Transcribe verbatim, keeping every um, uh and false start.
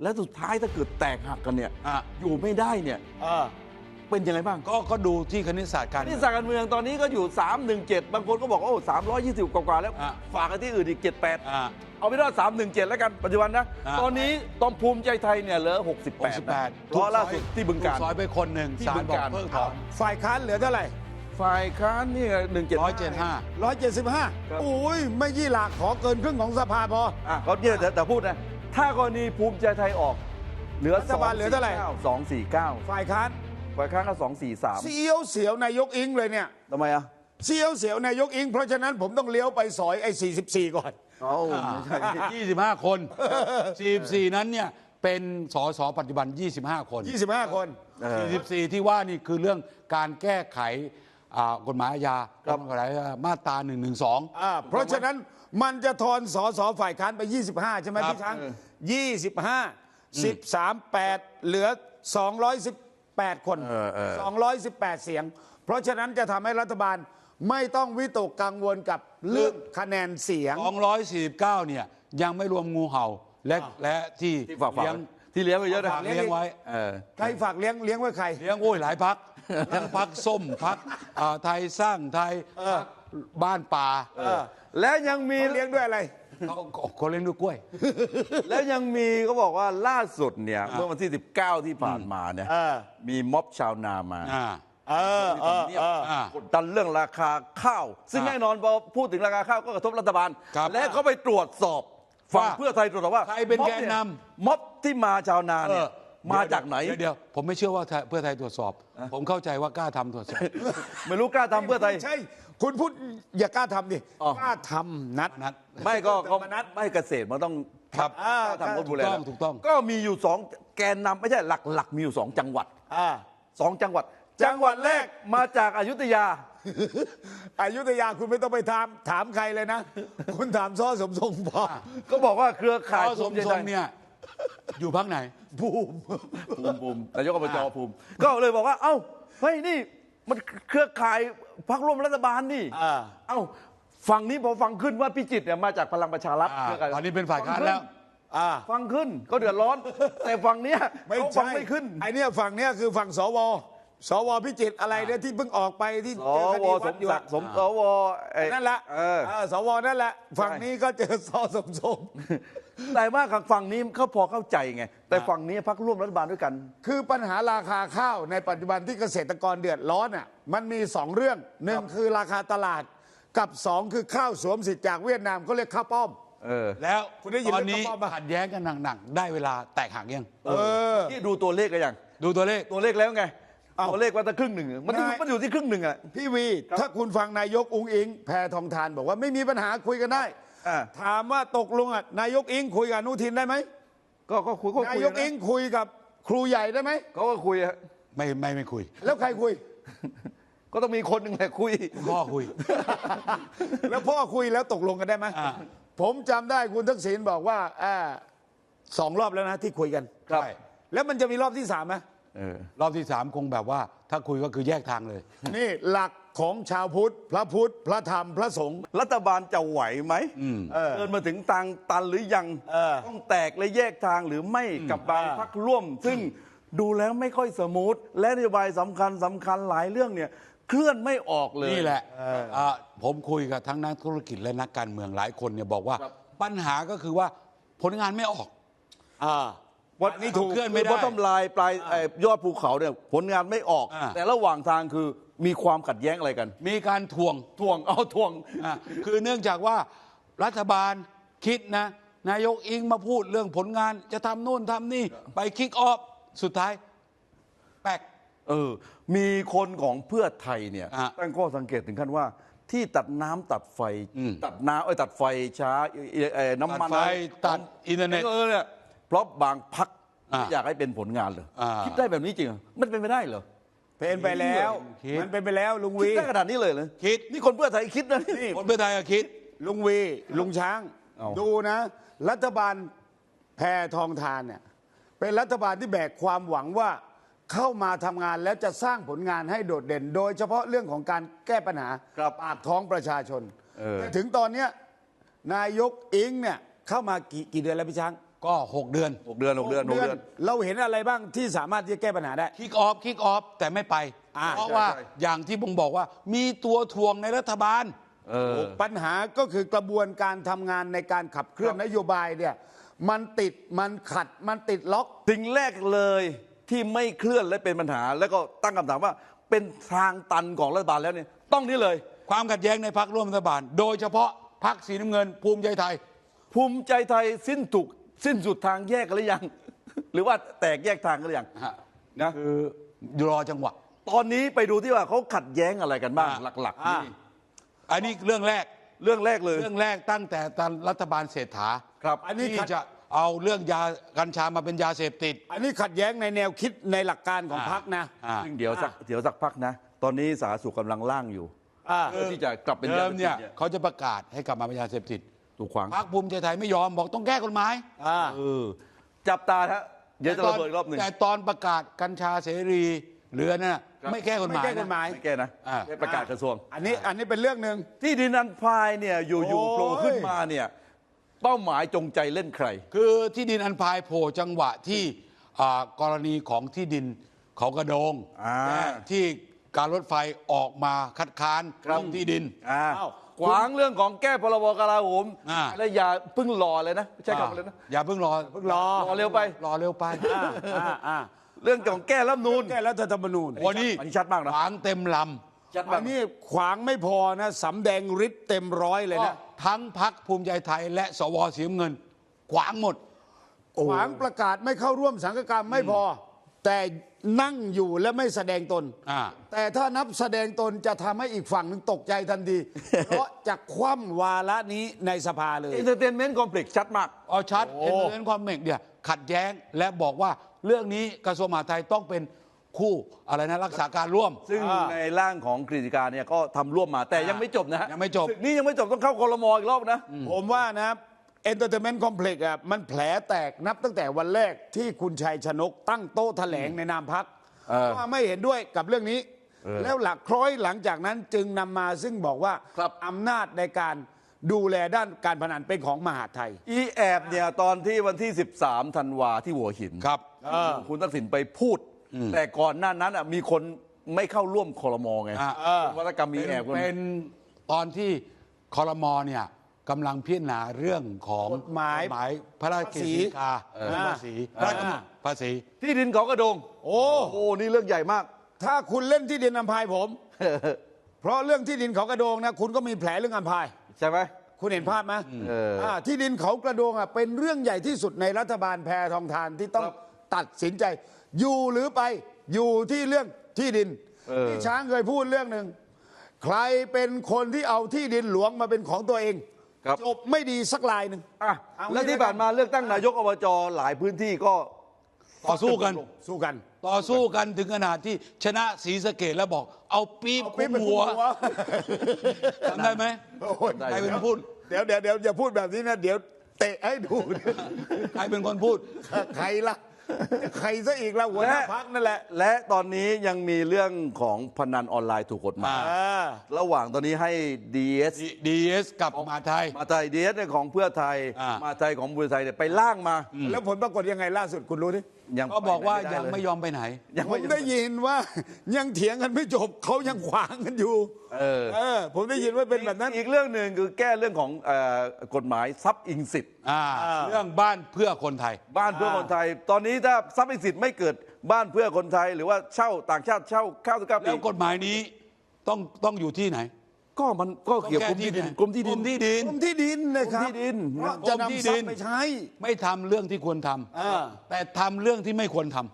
และสุดท้ายถ้าเกิดแตกหักกันเนี่ยอ่ะอยู่ไม่ได้เนี่ยเออเป็นยังไงบ้างก็ก็ดูที่คณิตศาสตร์การนี่สารการเมืองตอนนี้ก็อยู่สามหนึ่งเจ็ดบางคนก็บอกว่าโอ้สามร้อยยี่สิบกว่าๆแล้วอ่ะฝากกันที่อื่นอีกเจ็ดแปดอ่าเอาไปว่าสามหนึ่งเจ็ดแล้วกันปัจจุบันนะอ่ะตอนนี้ตอนภูมิใจไทยเนี่ยเหลือหกสิบแปดหกสิบแปดเพราะล่าสุดที่บึงกาฬถูซอยไปคนหนึ่งที่ศาบึลงบอกกาฬเพิกถอนฝ่ายค้านเหลือเท่าไหร่ฝ่ายค้านนี่หนึ่งเจ็ดร้อยเจ็ดห้าร้อยเจ็ดสิบห้าครับโอ้ยไม่ยี่หลักขอเกินครึ่งของสภาพออ่ะเขาเนี่ยแต่แต่พูดนะถ้ากรณีภูมิใจไทยออกเหลือรัฐบาลเหลือเท่าไหร่สองสี่เก้าฝ่ายค้านฝ่ายค้านก็สองสี่สามเสียวเสียวนายกอิงเลยเนี่ยทำไมอ่ะเสียวเสียวนายกอิง เพราะฉะนั้นผมต้องเลี้ยวไปซอยไอ้สี่สิบสี่ก่อนเอ้าไม่ใช่ยี่สิบห้าคนสี่สิบสี่นั้นเนี่ยเป็นสสปัจจุบันยี่สิบห้าคนยี่สิบห้าคนเออสี่สิบสี่ที่ว่านี่คือเรื่องการแก้ไขอ่ากฎหมายอาญาครับกฎหมายมาตราหนึ่งหนึ่งสองอ่าเพราะฉะนั้นมันจะทอนสสฝ่ายค้านไป ยี่สิบห้า ใช่ไหมครับพี่ช้างยี่สิบห้า สิบสาม แปดเหลือสองร้อยสิบแปดคนเออเออสองร้อยสิบแปด เสียง เพราะฉะนั้นจะทำให้รัฐบาลไม่ต้องวิตกกังวลกับเรื่องคะแนนเสียงสองร้อยสี่สิบเก้าเนี่ยยังไม่รวมงูเห่าและและที่ที่ฝากฝัเลี้ยงงที่เลี้ยงไว้เยอะนะฝากเลี้ยงไว้เออใครฝากเลี้ยงเลี้ยงไว้ใครเลี้ยงโอ้ยหลายพักทั้งพักส้มพักไทยสร้างไทยพรรคบ้านป่าเออและยังมีเขาเลี้ยงด้วยอะไรเขาเขาเลี้ยงด้วยกล้วยแล้วยังมีเขาบอกว่าล่าสุดเนี่ยอ่าเมื่อวันที่สิบเก้าที่ผ่านมาเนี่ยเออมีม็อบชาวนามาอ่าเออเออเอออ่ากดดันเรื่องราคาข้าว ซึ่งอ่าแน่นอนพอพูดถึงราคาข้าวก็กระทบรัฐบาลครับและเขาไปตรวจสอบฝั่งว่าเพื่อไทยตรวจสอบว่าใครเป็นม็อบแกนนำยม็อบที่มาชาวนาเอเนี่ยอมาจากไหนเดี๋ยวเดี๋ยวผมไม่เชื่อว่าเพื่อไทยตรวจสอบ ผมเข้าใจว่ากล้าทำตรวจสอบไม่รู้กล้าทำเพื่อไทยใช่ คุณพูดอย่ากล้าทำดิอ๋อกล้าทำนัดนัดไม่ก็ก็ธรรมนัสไม่เกษตรมันต้องครับอ่าทำคนดูแลถูกต้องถูกต้องก็มีอยู่สองแกนนำไม่ใช่หลักๆ มีอยู่สองจังหวัดอ่าสองจังหวัด จังหวัดแรกมาจากอยุธยาอายุทยาคุณไม่ต้องไปถามถามใครเลยนะ คุณถามซ้อสมทรงพอก็บอกว่าเครือข่ายข้อสมภูทใจรงไทเนี่ยอยู่พักไหนภูมิภูมิภูมินายกอบจภูมิ ก็เลยบอกว่า เอ้าเฮ้ยนี่มันเครือข่ายพรรคร่วมรัฐบาลนี่อ่าเอ้าฝั่งนี้พอฟังขึ้นว่าพิจิตรเนี่ยมาจากพลังประชารัฐอ่าเครือข่ายตอนนี้เป็นฝ่ายค้านแล้วอ่าฟังขึ้นก็เดือดร้อน แต่ฝั่งเนี้ยไม่เขาฟัใช่งไม่ขึ้นไอเนี้ยฝั่งเนี้ยคือฝั่งสวสวพิจิตรอะไรเนี่ยที่เพิ่งออกไปที่สเจอคว ดีสวัดมอยู่ศักดิ์สมสวไอ้นั่นแหละเออเออสวนั่นแหละ ฝั่งนี้ก็เจอซ้อสมทรงแต่ว่าฝั่งนี้เขาพอเข้าใจไง แต่ฝั่งนี้พรรคร่วมรัฐบาลด้วยกันคือปัญหาราคาข้าวในปัจจุบันที่เกษตรกรเดือดร้อนอ่ะมันมีสองเรื่องหนึ่งคือราคาตลาดกับสองคือข้าวสวมสิทธิ์จากเวียดนามเขาเรียกข้าวป้อมเออแล้วคุณได้ยินตอนนี้เรื่องข้าวป้อมปะขัดแย้งกันหนักๆได้เวลาแตกหักยังเออที่ดูตัวเลขกันยังดูตัวเลขตัวเลขแล้วไงเอ้าตัวเลขว่าจะครึ่งหนึ่งมันอยู่นายมันอยู่ที่ครึ่งหนึ่งอะพี่วี ถ้าคุณฟังนายกอุงอิง แพทองทานบอกว่าไม่มีปัญหาคุยกันได้อ่าถามว่าตกลงอ่ะนายกอิงคุยกับอนุทินได้ไหมก็ก็คุยก็นาคุยยกอิงคุยกับครูใหญ่ได้ไหมเขาก็คุยอะไม่ไม่ไม่คุยแล้วใครคุยก็ต้องมีคนหนึ่งแหละคุยพ่อคุยแล้วพ่อคุยแล้วตกลงกันได้ไหมอ่าผมจำได้คุณทักษิณบอกว่าอ่าสองรอบแล้วนะที่คุยกันครับใช่แล้วมันจะมีรอบที่สามไหมเออรอบที่สามคงแบบว่า ถ้าคุยก็คือแยกทางเลยนี่หลักของชาวพุทธ พระพุทธ พระธรรม พระสงฆ์รัฐบาลจะไหวไหมเออเดินมาถึงทางตันหรือยังเออต้องแตกและแยกทางหรือไม่กับบางพรรคร่วม ซึ่งดูแล้วไม่ค่อยสมูทและนโยบายสำคัญสำคัญหลายเรื่องเนี่ยเคลื่อนไม่ออกเลยนี่แหละอ่าผมคุยกับทั้งนักธุรกิจและนักการเมืองหลายคนเนี่ยบอกว่าครับปัญหาก็คือว่าผลงานไม่ออกอ่าวัดนี่ถูกเคลื่อนไม่ได้บอททอมไลน์ปลายเอ่อยอดภูเขาเนี่ยผลงานไม่ออกอ่าแต่ระหว่างทางคือมีความขัดแย้งอะไรกันมีการทวงทวงเอาทวงอ่ะคือเนื่องจากว่ารัฐบาลคิดนะ นายกอิงมาพูดเรื่องผลงานจะทำโน่นทำนี่ไปคิกออฟสุดท้ายแปลกเออ มีคนของเพื่อไทยเนี่ยอ่ะตั้งข้อสังเกตถึงขั้นว่า ที่ตัดน้ำตัดไฟอืมตัดน้ำเอ้ยตัดไฟช้าเอ่อเอ่อน้ำมันตัดไฟตัดอินเทอร์เน็ตเออเนี่ยเพราะบางพักอ่ะอยากให้เป็นผลงานเลยอ่าคิดได้แบบนี้จริงเหรอมันเป็นไปได้เหรอเป็นไปแล้วคิดมันเป็นไปแล้วลุงคิดวีได้ขนาดนี้เลยเหรอคิดนี่คนเพื่อไทยคิดนะนี่คนเพื่อไทยก็คิดลุงวีลุงช้างเอาดูนะ รัฐบาลแพทองทานเนี่ยเป็นรัฐบาลที่แบกความหวังว่าเข้ามาทำงานแล้วจะสร้างผลงานให้โดดเด่น โดยเฉพาะเรื่องของการแก้ปัญหาครับปากท้องประชาชนเออแต่ถึงตอนเนี้ยนายกอิงเนี่ยเข้ามากี่กี่เดือนแล้วพี่ช้างก็หกเดือนหกเดือนหกเดือนหกเดือนเราเห็นอะไรบ้างที่สามารถที่จะแก้ปัญหาได้คิกออฟคิกออฟแต่ไม่ไปอ่าเพราะใช่ว่าใช่อย่างที่ผมบอกว่ามีตัวทวงในรัฐบาลเออปัญหาก็คือกระบวนการทำงานในการขับเคลื่อนนโยบายเนี่ยมันติดมันขัดมันติดล็อกสิ่งแรกเลยที่ไม่เคลื่อนและเป็นปัญหา แล้วก็ตั้งคำถามว่าเป็นทางตันของรัฐบาลแล้วเนี่ยต้องนี่เลยความขัดแย้งในพรรคร่วมรัฐบาล โดยเฉพาะพรรคสีน้ำเงิน ภูมิใจไทยภูมิใจไทยสิ้นถูกสิ้นสุดทางแยกกันหรือยัง หรือว่าแตกแยกทางกันหรือยังฮะนะคือรอจังหวะตอนนี้ไปดูที่ว่าเขาขัดแย้งอะไรกันบ้างอ่าหลักๆอ่านี่อันนี้เรื่องแรกเรื่องแรกเลยเรื่องแรกตั้งแต่ตอนรัฐบาลเศรษฐาครับอันนี้ที่ขัดจะเอาเรื่องยากัญชามาเป็นยาเสพติดอันนี้ขัดแย้งในแนวคิดในหลักการของอ่าพรรคนะอ่าซึ่งเดี๋ยวสักเดี๋ยวสักพักนะ ตอนนี้สาธารณสุขกำลังล่างอยู่อ่าเพื่อที่จะกลับเป็นเดิยาม เสพติเนี่ยดเนี่ยเขาจะประกาศให้กลับมาเป็นยาเสพติดถูกขวางพรรคภูมิใจไทยไม่ยอมบอกต้องแก้กฎหมายอ่าเออจับตาฮะเดี๋ยวจะระเบิดอีกรอบหนึ่งแต่ตอนประกาศกัญชาเสรีหรือนั่นน่ะครับไม่แก้กฎหมายไม่แก้กฎหมายนะไม่แก้นะอ่าแค่ประกาศกระทรวงอันนี้อันนี้เป็นเรื่องหนึ่งที่ดินอันพายเนี่ยอยู่โอ้ๆยโผล่ขึ้นมาเนี่ยเป้าหมายจงใจเล่นใครคือที่ดินอันพายโผล่จังหวะที่อ่ากรณีของที่ดินเขากระโดงอ่าและที่การรถไฟออกมาคัดค้านครับเรื่องที่ดินอ่าอ้าวขวางเรื่องของแก้พรบกลาโหมอ่าแล้วอย่าเพิ่งรอเลยนะใช่คำเลยนะอย่าเพิ่งรอเพิ่งรอรอเร็วไปรอเร็วไปอ่าอ่าอ่าเรื่องของแก้รัฐธรรมนูนแก้รัฐธรรมนูญวันนี้อันนี้ชัดมากนะขวางเต็มลชัดอัมากนนี้ขวางไม่พอนะสำแดงฤทธิ์เต็มร้อยเลยำนะทั้งพักภูมิใจไทยและสวสีน้ำเงิน ขวางหมดขวางประกาศไม่เข้าร่วมสังฆกรรมไม่พอ แต่นั่งอยู่และไม่แสดงตนอ่าแต่ถ้านับแสดงตนจะทำให้อีกฝั่งหนึ่งตกใจทันที เพราะจะคว่ำวาระนี้ในสภาเลยเอนเตอร์เทนเมนต์คอมเพล็กซ์ชัดมากเอาชัดโอ้เอ็นเอ็นความเมกเนี่ยขัดแย้งและบอกว่าเรื่องนี้กระทรวงมหาดไทยต้องเป็นคู่อะไรนะรักษาการร่วมซึ่งอ่าในร่างของกฤษฎีกาเนี่ยก็ทำร่วมมาแต่ยังไม่จบนะฮะยังไม่จบศึกนี่ยังไม่จบต้องเข้าคอรมออีกรอบนะผมว่านะเอนเตอร์เทนเมนต์คอมเพล็กซ์อ่ะมันแผลแตกนับตั้งแต่วันแรกที่คุณชัยชนกตั้งโต๊ะแถลงในนามพักเออว่าไม่เห็นด้วยกับเรื่องนี้เออแล้วหลักคล้อยหลังจากนั้นจึงนำมาซึ่งบอกว่าครับอำนาจในการดูแลด้านการพนันเป็นของมหาดไทยอีแอบเนี่ยตอนที่วันที่ สิบสาม ธันวาที่หัวหินครับเออคุณทักษิณไปพูด แต่ก่อนหน้านั้นอ่ะมีคนไม่เข้าร่วมคอรมอไงอ่าเป็นวัตกรรมมีแอบคนเป็นตอนที่คอรมอเนี่ยกำลังพิจารณาเรื่องของกฎหมายกฎหมายพระราชกิจสีกาเออเรื่องภาษีพระราชกำหนดภาษีที่ดินเขากระโดงโอ้โอ้นี่เรื่องใหญ่มากถ้าคุณเล่นที่ดินอัมพายผม เพราะเรื่องที่ดินเขากระโดงนะคุณก็มีแผลเรื่องอัมพายใช่ไหมคุณเห็นภาพไหมเอออ่าที่ดินเขากระโดงอ่ะเป็นเรื่องใหญ่ที่สุดในรัฐบาลแพทองทานที่ต้องครับตัดสินใจ อยู่หรือไปอยู่ที่เรื่องที่ดินเออที่ช้างเคยพูดเรื่องหนึ่งใครเป็นคนที่เอาที่ดินหลวงมาเป็นของตัวเองครับจบไม่ดีสักลายหนึ่งอ่ะเอาแล้วที่งี้ผ่านมาเลือกตั้งนายกอบจหลายพื้นที่ก็ต่อสู้กันสู้กันต่อสู้กันถึงขนาดที่ชนะศรีสะเกดแล้วบอก เอาปี๊บเอาคุปิ๊บมไปคุมหัวหัวจำได้ไหมโอ้ยใครเป็นคนพูดเดี๋ยวเดี๋ยวเดี๋ยวอย่าพูดแบบนี้นะเดี๋ยวเตะให้ดูใครเป็นคนพูดใครล่ะใครซะอีกล่ะหัวหน้าและพักนั่นแหละและตอนนี้ยังมีเรื่องของพนันออนไลน์ถูกกฎหมายอ่าอ่าระหว่างตอนนี้ให้ ดี เอสดีเอสกับมหาไทยมาไทยดีเอสของเพื่อไทยอ่ามมาไทยของบุรีไทยเนี่ยไปล่างมาแล้วผลปรากฏยังไงล่าสุดคุณรู้ดิยังก็บอกว่าปหนยังด้เลไม่ยอมไปไหนยังผไม่มได้ยินว่า ยังเถียงกันไม่จบเขายังขวางกันอยู่เออเออ ผมได้ยินว่าเป็นแบบนั้นอีกเรื่องหนึ่งคือแก้เรื่องของเอ่อกฎหมายทรัพย์อิงสิทธิ์อ่าอ่าเรื่องบ้านเพื่อคนไทยบ้านเพื่อคนไทย ตอนนี้ถ้าทรัพย์อิงสิทธิ์ไม่เกิดบ้านเพื่อคนไทย หรือว่าเช่าต่างชาติเช่าเก้าสิบเก้าปีแล้วกฎหมายนี้ต้องต้องอยู่ที่ไหนก็มันก็เกี่ยวกับกรมที่ดินกรมที่ดินกรมที่ดินกรมที่ดินนะครับกรมที่ดินเพราะจะกรมที่นำทรัดิพนย์ไปใช้ไม่ทำเรื่องที่ควรทำอ่าแต่ทำเรื่องที่ไม่ควรทำ